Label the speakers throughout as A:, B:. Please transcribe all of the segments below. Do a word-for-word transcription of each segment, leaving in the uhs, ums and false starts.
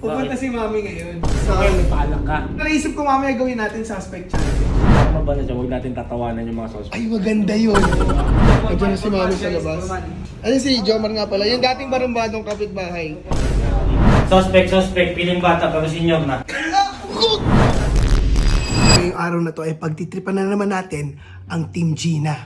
A: Pupunta si Mami ngayon.
B: So, okay, may paalam ka.
A: Naisip ko mamaya gawin natin suspect challenge.
B: Tama ba na siya? Huwag natin tatawanan yung mga suspect.
A: Ay, maganda yun. Nandiyan na si Mami sa labas. Ano si Jomar nga pala? Yung dating barumbadong kapitbahay.
B: Suspect, suspect. Piling bata pero senior na.
A: Ngayong araw na to ay pagtitripan na naman natin ang Team Gina.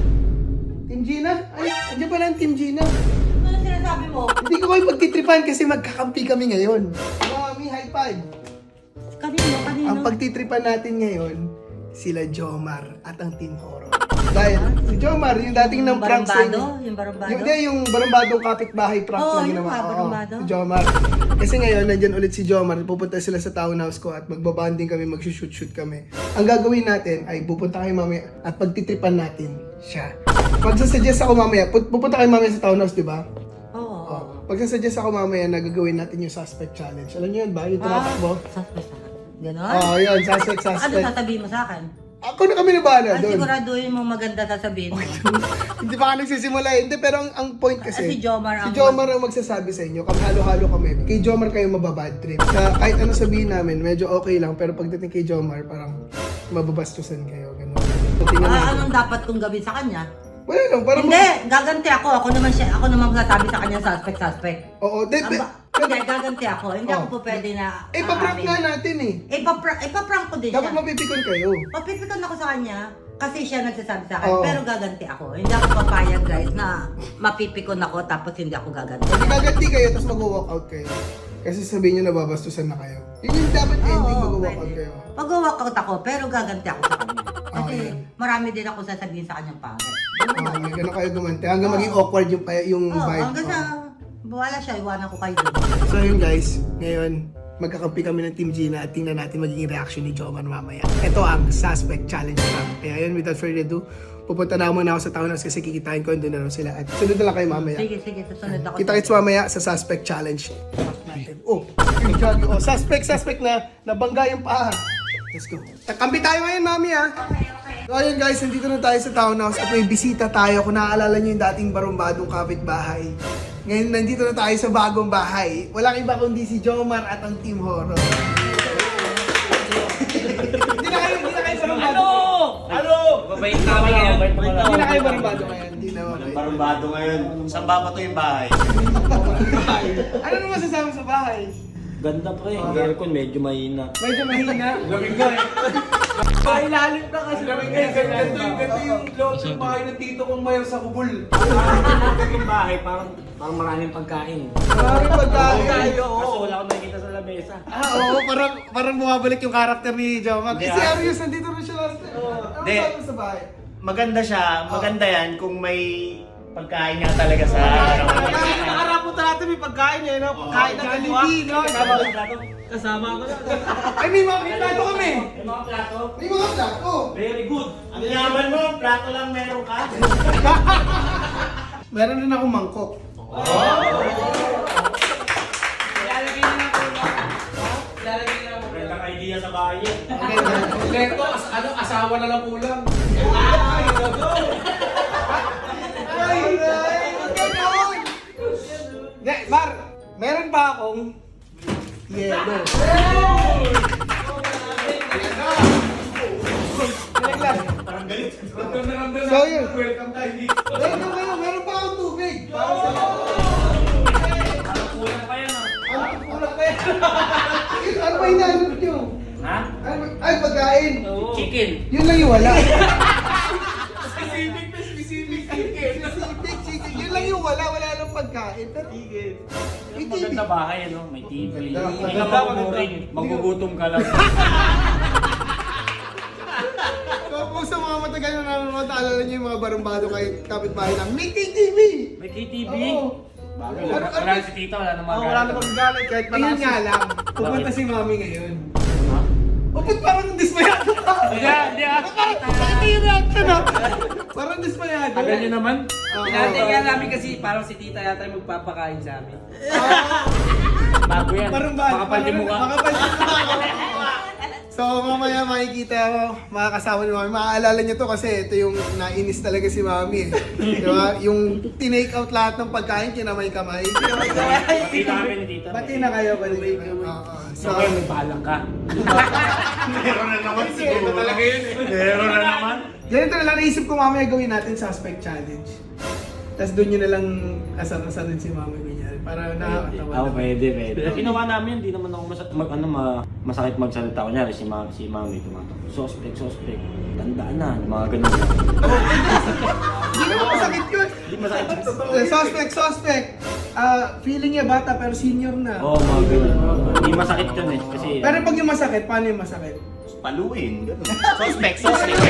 A: Team Gina? Ay, andyan pala ang Team Gina.
C: Ano sinasabi mo?
A: Hindi ko kayo pagtitripan kasi magkakampi kami ngayon. Mami, high five!
C: Kanino? Kanino?
A: Ang pagtitripan natin ngayon, sila Jomar at ang Team Horror. Dahil si Jomar, yung dating ng prank sa inyo.
C: Barumbado? Yung barumbado?
A: Yung, yung, yung barumbadong kapitbahay prank
C: Oo,
A: na
C: yung
A: ginawa.
C: nga,
A: Oo,
C: barumbado.
A: si Jomar. Kasi ngayon, nandyan ulit si Jomar. Pupunta sila sa townhouse ko at magbabanding kami, magsushoot-shoot kami. Ang gagawin natin ay pupunta kayo mamaya at pagtitripan natin siya. Magsasuggest ako mamaya, pu- pupunta kayo mamaya sa townhouse, di ba?
C: Oo.
A: Oh. Magsasuggest ako mamaya na gagawin natin yung suspect challenge. Alam niyo yun ba? Yung tumatakbo?
C: Suspect na. Ganon?
A: Oo, oh, yun. Suspect,
C: Ano
A: suspect.
C: sasabihin mo sa akin?
A: Ako na kami na bahala
C: Ay,
A: doon.
C: siguraduhin mo maganda sasabihin mo.
A: Hindi pa ka nagsisimula eh. Hindi, pero ang, ang point kasi,
C: Ah, si Jomar
A: si
C: ang-
A: Jomar ang magsasabi sa inyo. Kami halo-halo kami. Kay Jomar kayo mababad trip. Sa kahit ano sabihin namin, medyo okay lang. Pero pagdating kay Jomar, parang mababastusan kayo. Ganun. So, tingnan
C: Ah,
A: natin.
C: anong dapat kong gawin sa kanya?
A: Wala lang, parang...
C: Hindi, gaganti ako. Ako naman siya, ako naman magsasabi sa kanya suspect, suspect.
A: Oo, de,
C: Ang
A: be,
C: ba- Hindi, gaganti ako. Hindi ako
A: Oh.
C: po pwede na
A: eh, paprank
C: aamin.
A: nga natin eh.
C: Eh, paprank, eh, paprank ko din
A: Dapat
C: siya.
A: mapipikon kayo.
C: Papipikon ako sa kanya kasi siya nagsasabi sa akin,
A: Oo.
C: pero gaganti ako. Hindi ako papayag guys na mapipikon ako tapos hindi ako gaganti.
A: Pag gaganti kayo, tapos mag-walk out kayo. Kasi sabihin nyo nababastusan na kayo. Yun yung dapat ending,
C: Oo,
A: mag-walk out
C: pwede.
A: kayo.
C: Mag-walkout ako, pero gaganti ako sa kanya. Kasi
A: Okay.
C: marami din ako sasabihin sa kanyang pangit.
A: Ah, may ganun kayo gumanti. Hanggang maging awkward yung, pa- yung
C: Oo,
A: vibe.
C: hanggang sa wala siya, iwanan ko kayo doon.
A: So yun guys, ngayon magkakampi kami ng Team Gina at tingnan natin magiging reaction ni Jomar mamaya. Ito ang suspect challenge prank. Kaya yun, without further ado, pupunta na muna ako sa townhouse kasi kikitain ko doon na rin sila. At sunod na lang kayo mamaya.
C: Sige, sige, susunod ako.
A: Kita-kits mamaya sa suspect challenge. Natin. Oh, yung jog. Oh, suspect, suspect na nabangga yung paa. Let's go. Kampi tayo ngayon, mami ha. So ayun guys, nandito na tayo sa townhouse at may bisita tayo. Kung naaalala nyo yung dating barumbadong kapitbahay. Ngayon nandito na tayo sa bagong bahay. Walang iba kundi si Jomar at ang Team Horror. Hindi na kayo, hindi na kayo barumbado.
B: Ano? Mabait namin ngayon.
A: Hindi na kayo barumbado ngayon. Hindi na
B: Walang
A: okay.
B: barumbado ngayon. Saan ba pa to yung bahay?
A: Ano naman masasabi sa bahay?
B: Ganda pa eh. Ang aircon medyo mahina.
A: Medyo mahina.
D: Lamig na eh. Pailalim ka kasi. Lamig na eh. Ganito yung, ganito yung loob ng bahay ng tito kong mayor sa Kubul.
B: Yung bahay parang parang maraming pagkain.
A: Maraming pagkain.
B: Kaso wala akong nakikita sa lamesa.
A: Ah, oo, parang, parang bumabalik yung karakter ni Jomar.
B: Hindi,
A: Kasi
B: ah.
A: Arius, nandito rin siya last time. Ano
E: Hindi.
A: sabi mo sa bahay?
E: Maganda siya, maganda yan kung may pagkain nga talaga sa
D: Nakaharap mo natin may pagkain eh. No? Pagkain na kaliwa.
A: Jollibee, no?
D: Kasama ko na.
A: Ay, may mga plato kami.
E: May mga plato.
A: May mga plato.
E: Very good. Ang yaman mo, plato lang meron ka.
A: Meron din akong mangkok.
D: Ilalagay na lang po. Ilalagay na lang po.
B: Magandang idea sa bahay eh.
A: Okay,
D: Ito, as- ano, asawa na lang kulang.
A: ay, ay, huwag ganon. Hindi, Mar, meron pa akong yelo. Ilang lang. So yun.
D: Welcome tayo dito.
A: Meron pa kayo, meron pa akong tubig. Para sa
B: Kulang pa yan ah.
A: Ano, kulang pa yan. Ano ba hinahanap nyo?
B: Ha?
A: Ano, ay, pagkain.
B: Chicken.
A: Yun lang yung wala.
D: Specific na specific chicken.
A: Specific chicken. Yun lang yung wala. Wala lang pagkain. Pero, may T V.
B: Maganda bahay ano, may T V.
A: Maganda,
B: Hindi ka
A: maganda,
B: maguguring. Magugutom ka lang.
A: So, kung sa mga matagal na nanonood, naalala nyo yung mga barumbado kay kapitbahay na may K T V!
B: May K T V.
A: Oo.
B: Bagay.
A: Ano- ano-
B: Wala si tita, wala namang
A: Oh, wala namang galit kahit
D: Ayun
A: malakas.
D: nga lang.
A: Pupunta si Mami ngayon.
B: Ha?
A: O, ba't parang dismayado ka?
B: Hindi, hindi ah.
A: Parang, bakit yung reaction ah? Parang dismayado.
B: Tagal nyo naman.
A: Oo.
D: Tinatay nga namin kasi parang si tita yata yung magpapakain sa amin.
B: Bago yan.
A: Barumbado.
B: Makapal din mukha.
A: Makapal din mukha. So So mamaya makikita mo, mga kasama ni Mami. Maaalala niyo to kasi ito yung nainis talaga si Mami eh. Diba? Yung tinake out lahat ng pagkain, kinamay-kamay.
B: Pati namin dito.
A: Bati na kayo, bati na kayo.
B: So, kayo may balang ka.
E: Meron na naman siguro.
D: Talaga yun eh.
E: Meron na naman.
A: Ganito na lang naisip ko mamaya gawin natin suspect challenge. Tapos doon nyo na lang asar-asarin si Mami kunyari. Para nakakatawa.
B: Oo, pwede, pwede. Ginawa namin, hindi naman ako mas- mag, ano, ma, masakit magsalita. Kunyari, si, ma, si Mami tumatak. Suspect, suspect. Tandaan na, yung mga ganun.
A: Hindi naman masakit yun.
B: Hindi masakit.
A: Eh, Suspect, suspect. Ah, feeling niya bata pero senior na.
B: Oo, mga ganun. Hindi masakit yun eh. Kasi,
A: Pero pag yung masakit, paano yung masakit?
E: Paluin. Ganun. Suspect, suspect.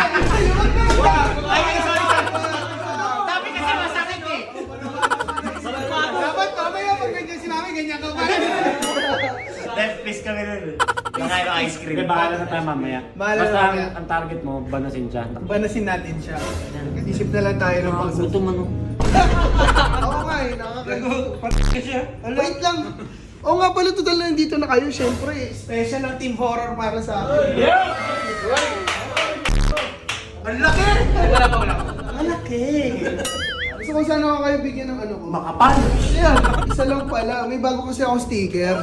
E: Ay, sorry, sorry. Sabi kasi masakit eh.
A: Dapat mamaya pag ganyan si Mami, ganyan ka pa.
E: Left piece kami nun. Nakain ng ice cream.
B: Hindi, bahala na tayo mamaya.
A: Bahala na
B: Basta ang,
A: mamaya.
B: ang target mo, banasin siya.
A: Banasin natin siya. Isip na lang tayo ng pang
B: Gutom ano.
A: Oo nga eh, nakakagutom. Wait lang. Oo nga pala, total na nandito na kayo. Siyempre, special ang team horror para sa akin. Ang laki!
D: Wala pa, wala pa.
A: Ang laki! Gusto ko sana ako kayo bigyan ng ano ko.
E: Makapal.
A: Ayan, isa lang pala. May bago kasi akong sticker.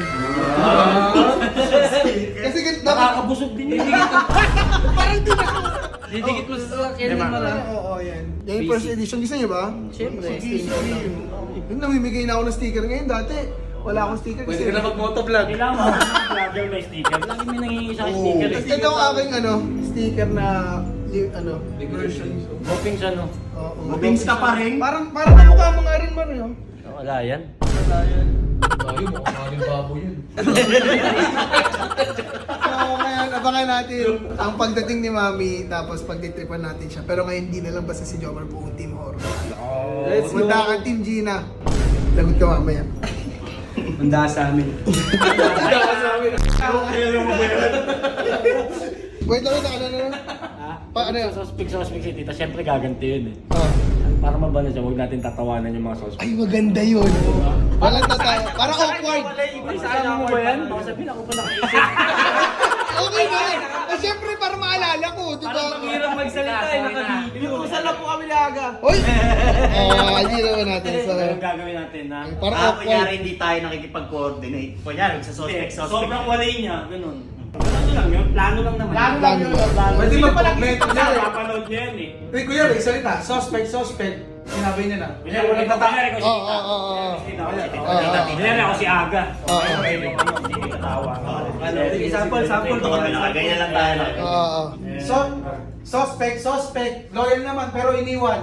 A: Kasi dapat...
B: Nakakabusog din yun.
A: Parang din ako.
D: Didikit mo sa sasakyan
B: Diba?
D: mo na.
A: Oo, yan. Yan yung first edition. Gusto niyo ba?
C: Siyempre,
A: Sige, sige. Yung namimigay na ako ng sticker ngayon. Dati, wala akong sticker.
D: Pwede ka na mag-motovlog.
B: Kailangan mo ng vlogger may sticker. Lagi may nangingi sa akin
A: Oo.
B: sticker
A: Tapos
B: eh.
A: ito ang aking ano, sticker na, li- ano,
D: Decoration.
B: Hoping siya no.
A: oo.
E: Mabings ka pa rin.
A: Parang, parang kamukha mo nga rin man yun.
B: Wala yan.
D: Tayo, mukhang baboy yun.
A: So, ngayon, abangan natin ang pagdating ni Mami, tapos pagtitripan natin siya. Pero ngayon, hindi na lang basta si Jomar, buong team horror.
D: Let's go.
A: Punta ka, Team Gina. Lagot ka mamaya.
F: Handa sa amin.
A: Wait lang, wait lang, ano, ano, ano? Pa, ano yun?
B: Suspect, suspect si tita. Siyempre gaganti yun eh.
A: Ah.
B: Para mabala siya, huwag natin tatawanan yung mga suspect.
A: Ay, maganda yun. Walang tatay. Para awkward.
B: Kasama mo ba yan? Baka sabihin ako pa nakaisip.
A: Okay na. Eh, syempre, para maalala ko, di ba?
F: Hirap magsalita eh, naka-video.
A: Inuusan lang po kami ni Aga. Hoy! Ah, hindi naman natin. So,
B: Ano yung gagawin natin na?
A: para
E: Ah,
A: awkward.
E: kunyari hindi tayo nakikipag-coordinate. Kunyari, sa suspect, suspect.
B: Sobrang walay niya, ganun. Ano lang yun? Plano lang naman.
A: Plano lang yun.
B: Plano.
D: Pwede
B: Sino
D: mag-
B: pala
D: may-
B: kita
D: kunyari.
B: niya? Papanood niya yan eh.
D: Wait, kuya, may salita. Suspect, suspect. Sinabi niya na.
B: Kunyari,
D: Walang
B: ikaw,
D: tata.
B: kunyari, ikaw si
A: Oo,
B: tita.
A: oo, oo, oo.
B: Si tita, ako si tita.
A: Oo, oo.
B: Kunyari, ako si Aga.
A: Oo.
B: Okay, yung ano, hindi kita tawa.
F: Sample, sample.
E: Ito kami nakaganyan lang tayo.
A: Oo, oo.
D: So, suspect, suspect. Loyal naman, pero iniwan.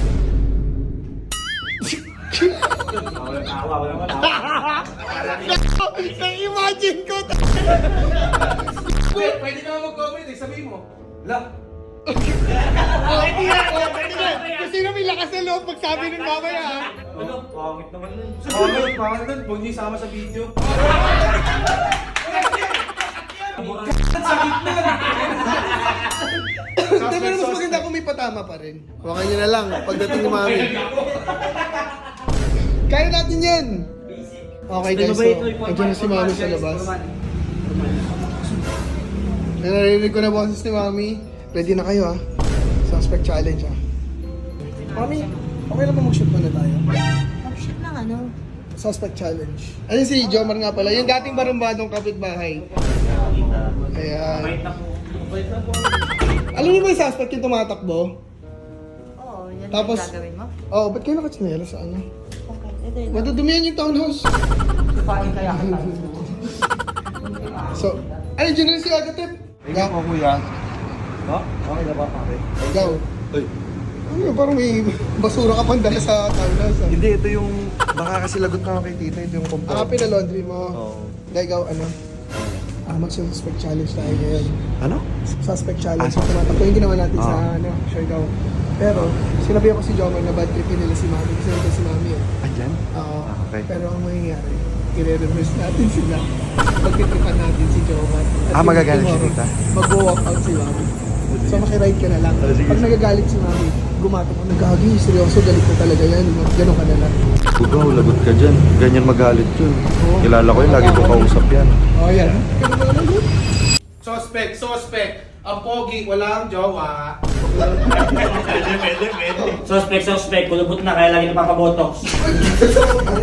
B: Walang tawa, walang tawa.
A: Na-imagine ko.
D: Pwede, pwede naman mag-comment eh. Sabihin mo. La.
A: Pwede na. Pwede na. Kasi na may lakas na loob magsabi ng mamaya. ha?
B: Ano? Pangit naman nun.
D: Comment, pangalan doon. Huwag niyo isama sa video.
A: Hindi, pero mas maganda kung may patama pa rin. Huwakan nyo na lang pagdating ni Mami. Kaya natin yan. Okay guys, so, nandiyan na si Mami sa labas. Narinig ko na boses ni Mami. Ready na kayo ha? Suspect challenge ha? Mami, okay lang ba mag-shoot muna tayo?
C: Mag-shoot lang ano.
A: Suspect challenge. Ano si Jomar nga pala, yung dating barumbadong kapitbahay. Ayan.
B: Wait na po.
A: Alam niyo ba yung suspect yung tumatakbo?
C: Oo, yan
A: Tapos-
C: yung gagawin mo.
A: Oo, oh, ba't kayo nakatsinelas sa ano?
C: Okay, ito yun.
A: Madadumihan yung townhouse.
C: Sipain kaya kita.
A: So, ay, dyan na rin si Agatep. Ikaw,
F: Ako kuya. Ha? Okay na ba pare?
A: ikaw.
F: Uy.
A: Ano yun, parang may basura ka pang dala sa townhouse. Ah.
F: Hindi, ito yung... Baka kasi lagot na ako kay tita. Ito yung
A: Ah,
F: compound.
A: pinalaundry mo.
F: Oo.
A: Kaya ikaw, ano? Ah, mag-suspect challenge tayo ngayon.
F: Ano?
A: Suspect challenge.
F: Ah,
A: Ah, tumatakbo yung ginawa natin sa,
F: Ah.
A: ano, sure ikaw. Pero, sinabi ako si Jomar na bad trip nila si Mami. Kasi nandun si Mami eh.
F: Andyan?
A: Oo.
F: Ah, okay.
A: Pero ang mangyayari, i-reverse natin sila. Pagtitripan natin si Jomar. At
F: Ah,
A: yung
F: magagalit si
A: tomorrow,
F: tita?
A: Mag-walk out si Mami. So makiride ka na lang.
F: Ah, sige,
A: Pag
F: sige.
A: nagagalit si Mami, gumatok ko, nagkagi, seryoso, galit na talaga yan. Ganon ka na lang.
F: Bugaw, lagot ka dyan. Ganyan magalit yun.
A: Oo.
F: Kilala ko yun, lagi ko kausap yan.
A: Oh, yan. Ganun ka na lang.
D: Suspect. suspect, suspect. Ang pogi, walang jowa.
E: Pwede, pwede, pwede.
B: Suspect, suspect. Kulubot na, kaya lagi napapabotox.